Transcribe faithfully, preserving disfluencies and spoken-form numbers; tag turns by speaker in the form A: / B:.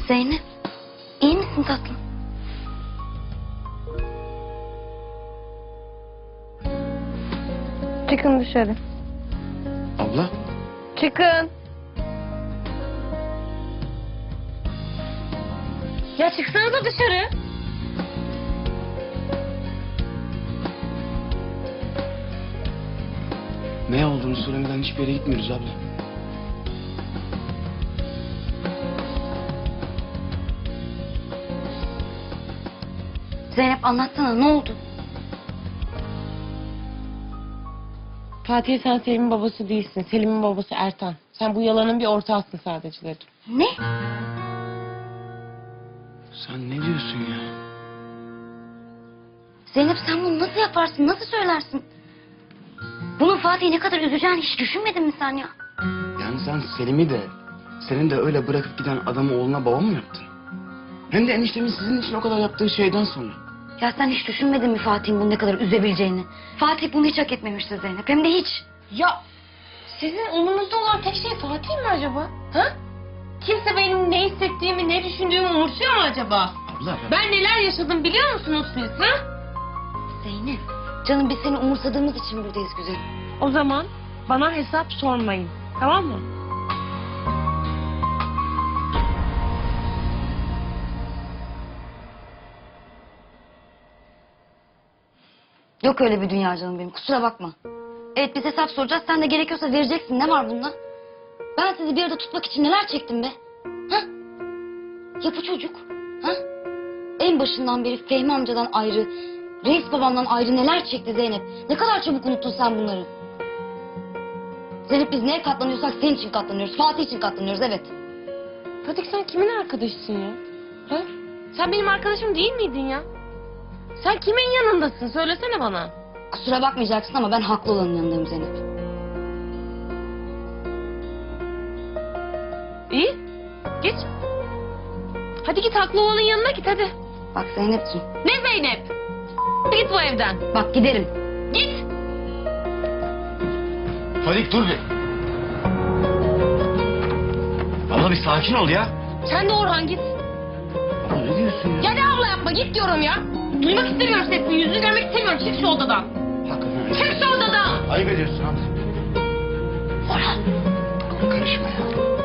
A: Zeynep, iyi misin tatlım?
B: Çıkın dışarı.
C: Abla.
B: Çıkın. Ya çıksanıza dışarı.
C: Ne olduğunu söylemeden hiçbir yere gitmiyoruz abla.
A: Zeynep anlatsana, ne oldu?
B: Fatih, sen Selim'in babası değilsin. Selim'in babası Ertan. Sen bu yalanın bir ortağısın sadece dedim.
A: Ne?
C: Sen ne diyorsun ya?
A: Zeynep sen bunu nasıl yaparsın, nasıl söylersin? Bunun Fatih'i ne kadar üzeceğini hiç düşünmedin mi sen ya?
C: Yani sen Selim'i de, senin de öyle bırakıp giden adamı oğluna baba mı yaptın? Hem de eniştemin sizin için o kadar yaptığı şeyden sonra.
A: Ya sen hiç düşünmedin mi Fatih'in bunu ne kadar üzebileceğini? Fatih bunu hiç hak etmemişti Zeynep, hem de hiç.
B: Ya sizin umurunuzda olan tek şey Fatih mi acaba? Ha? Kimse benim ne hissettiğimi, ne düşündüğümü umursuyor mu acaba?
C: Abla.
B: Ben neler yaşadım biliyor musunuz siz? Ha?
A: Zeynep, canım biz seni umursadığımız için buradayız güzelim.
B: O zaman bana hesap sormayın. Tamam mı?
A: Yok öyle bir dünya canım benim, kusura bakma. Evet biz hesap soracağız, sen de gerekiyorsa vereceksin, ne var bunda? Ben sizi bir arada tutmak için neler çektim be? Ha? Ya bu çocuk? Ha? En başından beri Fehmi amcadan ayrı, Reis babamdan ayrı neler çekti Zeynep? Ne kadar çabuk unuttun sen bunları? Zeynep biz neye katlanıyorsak senin için katlanıyoruz, Fatih için katlanıyoruz, evet.
B: Fatih, sen kimin arkadaşısın ya? Ha? Sen benim arkadaşım değil miydin ya? Sen kimin yanındasın? Söylesene bana.
A: Kusura bakmayacaksın ama ben haklı olanın yanındayım Zeynep.
B: İyi. Git. Hadi git, haklı olanın yanına git hadi.
A: Bak Zeynep'ciğim,
B: Ne Zeynep? Git bu evden.
A: bak giderim.
B: Git.
C: Fadik dur bir. Abla bir sakin ol ya.
B: Sen de Orhan git.
C: Abla ne diyorsun ya?
B: Ya ne abla yapma, git diyorum ya. Duymak istemiyorum sesini, yüzünü görmek istemiyorum. Çık şu odadan.
C: Hakikaten.
B: Çık şu odadan.
C: Ayıp ediyorsun abla.
A: Orhan.
C: Karışma ya.